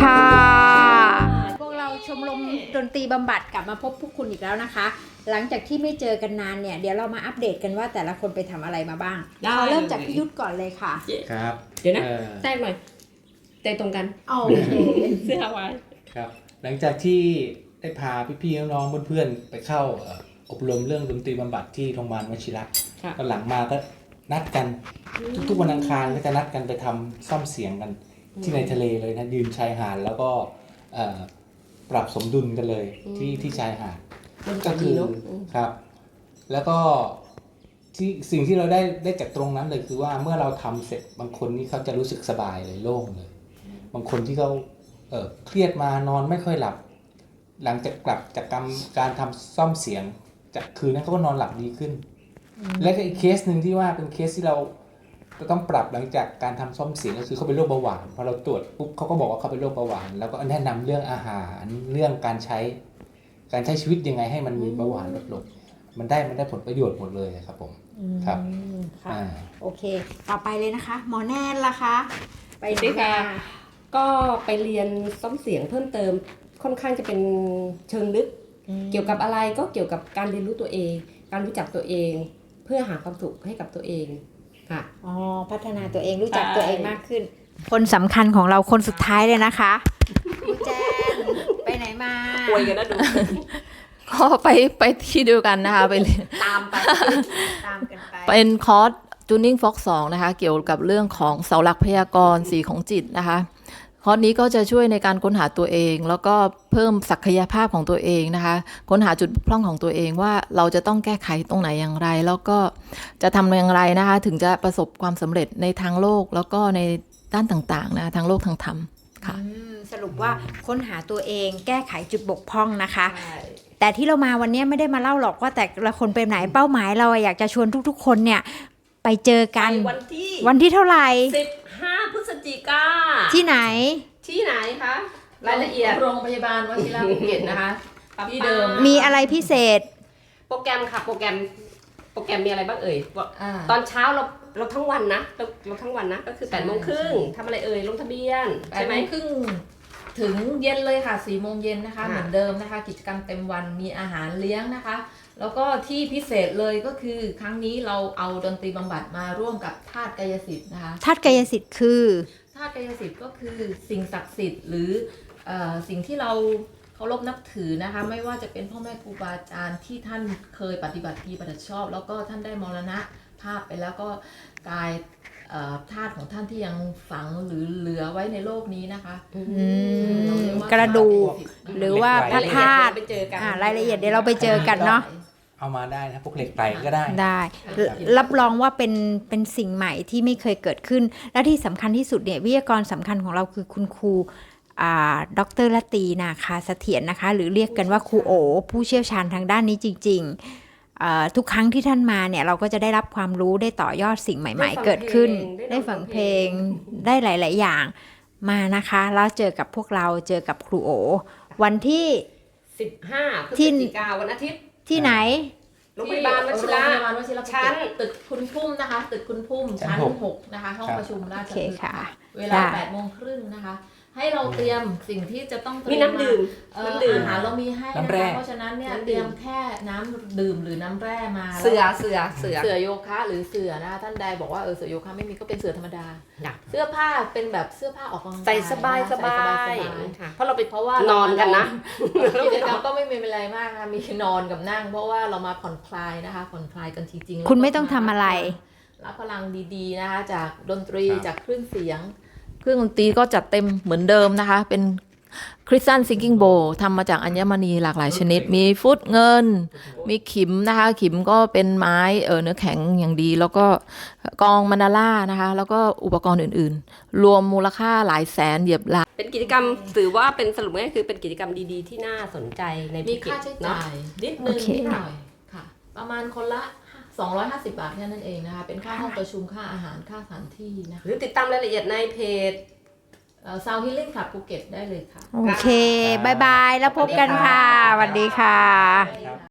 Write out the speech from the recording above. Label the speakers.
Speaker 1: ค่ะพวกเราชมรมดนตรีบำบัดกลับมาพบพวกคุณอีกแล้วนะคะ หลังจากที่ไม่เจอกันนานเนี่ยเดี๋ยวเรามาอัปเดตกันว่าแต่ละคนไปทำอะไรมาบ้างเราเริ่มจากพี่ยุทธก่อนเลยค่ะ
Speaker 2: ครับ
Speaker 3: เดี๋ยวนะแทรกหน่อยใจตรงกัน
Speaker 1: โอเค
Speaker 3: เสื้อไว้
Speaker 2: ครับหลังจากที่ได้พาพี่ๆน้องๆเพื่อนๆไปเข้าอบรมเรื่องดนตรีบำบัดที่โรงพยาบาลวชิระตอนหลังมาก็นัดกันทุกๆวันอังคารก็จะนัดกันไปทำซ่อมเสียงกันที่ในทะเลเลยนะยืนชายหาดแล้วก็ปรับสมดุลกันเลยที่ชายหาดก็คือครับแล้วก็ที่สิ่งที่เราได้จากตรงนั้นเลยคือว่าเมื่อเราทำเสร็จบางคนนี่เขาจะรู้สึกสบายเลยโล่งเลยบางคนที่เขาเครียดมานอนไม่ค่อยหลับหลังจากกลับจากการทำซ่อมเสียงจากคืนนั้นเขาก็นอนหลับดีขึ้นและอีกเคสหนึ่งที่ว่าเป็นเคสที่เราต้องปรับหลังจากการทำซ่อมเสียงก็คือเขาเป็นโรคเบาหวานพอเราตรวจปุ๊บเขาก็บอกว่าเขาเป็นโรคเบาหวานแล้วก็แนะนำเรื่องอาหารเรื่องการใช้ชีวิตยังไงให้มันมีเบาหวานลดลงมันได้ผลประโยชน์หมดเลยครับผมครับ
Speaker 1: ค่ะโอเคต่อไปเลยนะคะหมอแนนล่ะคะ
Speaker 3: ไปด้วยค่ะก็ไปเรียนซ่อมเสียงเพิ่มเติมค่อนข้างจะเป็นเชิงลึกเกี่ยวกับอะไรก็เกี่ยวกับการเรียนรู้ตัวเองการรู้จักตัวเงเพื่อหาความสุขให้กับตัวเองค่ะ
Speaker 1: อ๋อพัฒนาตัวเองรู้จักตัวเองมากขึ้นคนสำคัญของเราคนสุดท้ายเลยนะคะคุณแจนไปไหนมา
Speaker 3: ป่วยกันนะดู
Speaker 4: ก็ไปที่เดียวกันนะคะไป
Speaker 1: ตามกันไป
Speaker 4: เป็นคอร์ส Tuning Fox 2นะคะเกี่ยวกับเรื่องของเสาหลักพยากรณ์สีของจิตนะคะคอร์สนี้ก็จะช่วยในการค้นหาตัวเองแล้วก็เพิ่มศักยภาพของตัวเองนะคะค้นหาจุดบกพร่องของตัวเองว่าเราจะต้องแก้ไขตรงไหนอย่างไรแล้วก็จะทำอย่างไรนะคะถึงจะประสบความสำเร็จในทางโลกแล้วก็ในด้านต่างๆนะทางโลกทางธรรมค่ะ
Speaker 1: สรุปว่าค้นหาตัวเองแก้ไขจุดบกพร่องนะคะแต่ที่เรามาวันนี้ไม่ได้มาเล่าหรอกว่าแต่ละคนเป็นไหนเป้าหมายเราอยากจะชวนทุกๆคนเนี่ยไปเจอกันวันที่เท่าไหร่
Speaker 3: 15 พฤศจิกา
Speaker 1: ที่ไหน
Speaker 3: คะรายละเอียด
Speaker 4: โรงพยาบาลวชิระภูเก็ตนะคะที่เดิม
Speaker 1: มีอะไรพิเศษ
Speaker 3: โปรแกรมค่ะโปรแกรมมีอะไรบ้างเอ่ยตอนเช้าเราทั้งวันนะเราทั้งวันนะก็คือ8:30 น.ทำอะไรเอ่ยลงทะเบียนใช่ไหม
Speaker 4: 8:30 น.ถึงเย็นเลยค่ะ4 โมงเย็นนะคะเหมือนเดิมนะคะกิจกรรมเต็มวันมีอาหารเลี้ยงนะคะแล้วก็ที่พิเศษเลยก็คือครั้งนี้เราเอาดนตรีบำบัดมาร่วมกับธาตุกายสิทธิ์นะคะ
Speaker 1: ธาตุกายสิทธิ์คือ
Speaker 4: ธาตุกายสิทธิ์ก็คือสิ่งศักดิ์สิทธิ์หรือสิ่งที่เราเคารพนับถือนะคะไม่ว่าจะเป็นพ่อแม่ครูบาอาจารย์ที่ท่านเคยปฏิบัติดีปฏิบัติชอบแล้วก็ท่านได้มรณภาพไปแล้วก็กายธาตุของท่านที่ยังฝังหรือเหลือไว้ในโลกนี้นะคะ
Speaker 1: กระดูกหรือว่าพระธาตุรายละเอียดเดี๋ยวเราไปเจอกันเนาะ
Speaker 2: เอามาได้นะพวกเหล็กไหลก็ได้
Speaker 1: รับรองว่าเป็นสิ่งใหม่ที่ไม่เคยเกิดขึ้นและที่สำคัญที่สุดเนี่ยวิทยากรสำคัญของเราคือคุณครูดร.ละตีนาคาเสถียรนะคะหรือเรียกกันว่าครูโอผู้เชี่ยวชาญทางด้านนี้จริงๆทุกครั้งที่ท่านมาเนี่ยเราก็จะได้รับความรู้ได้ต่อยอดสิ่งใหม่ๆเกิดขึ้นได้ฟังเพลงได้หลายๆอย่างมานะคะแล้วเจอกับพวกเราเจอกับครูโอวันที่
Speaker 3: 15 พฤศจิกายนวันอาทิตย์
Speaker 1: ที่ไหน
Speaker 3: โรงพยาบาลวชิระชั้น
Speaker 4: ตึกคุณพุ่มนะคะตึกคุณพุ่มชั้น 6นะคะห้องประชุมราชพฤกษ์เวลา 8:30 น.นะคะให้เราเตรียมสิ่งที่จะต้องเตรียม
Speaker 3: มีน้ำดื่ม
Speaker 4: อาหารเรามีให้นะคะเพราะฉะนั้นเนี่ยเตรียมแค่น้ำดื่มหรือน้ำแร่มา
Speaker 3: เสื
Speaker 4: อโยคะหรือเสือนะคะท่านใดบอกว่าเสือโยคะไม่มีก็เป็นเสือธรรมดาเสื้อผ้าเป็นแบบเสื้อผ้าออกกำลังกาย
Speaker 3: ใส่สบายเพราะว่านอนกันนะ
Speaker 4: กิจกรรมก็ไม่มีอะไรมากนะมีนอนกับนั่งเพราะว่าเรามาผ่อนคลายนะคะผ่อนคลายกันจริง
Speaker 1: ๆคุณไม่ต้องทำอะไร
Speaker 4: รับพลังดีๆนะคะจากดนตรีจากเครื่องเสียงเครื่องดนตรีก็จัดเต็มเหมือนเดิมนะคะเป็นคริสตัลซิงกิ้งโบทำมาจากอัญมณีหลากหลายชนิดมีฟุตเงินมีขิมนะคะขิมก็เป็นไม้เนื้อแข็งอย่างดีแล้วก็กองมันดาล่านะคะแล้วก็อุปกรณ์อื่นๆรวมมูลค่าหลายแสนเหยียบล้าน
Speaker 3: เป็นกิจกรรมถือว่าเป็นสรุปง่ายคือเป็นกิจกรรมดีๆที่น่าสนใจใน
Speaker 4: มีค่าใช้จ่ายนิดนึงนิดหน่อยค่ะประมาณคนละ250 บาทแค่นั้นเองนะคะเป็นค่าห้องประชุมค่าอาหารค่าสถานที่นะคะ
Speaker 3: หรือติดตามรายละเอียดในเพจ
Speaker 4: ซาวฮิลลิ่งคลับภูเก็ตได้เลยค่ะ
Speaker 1: โอเคบายบายแล้วพบกันค่ะสวัสดีค่ะ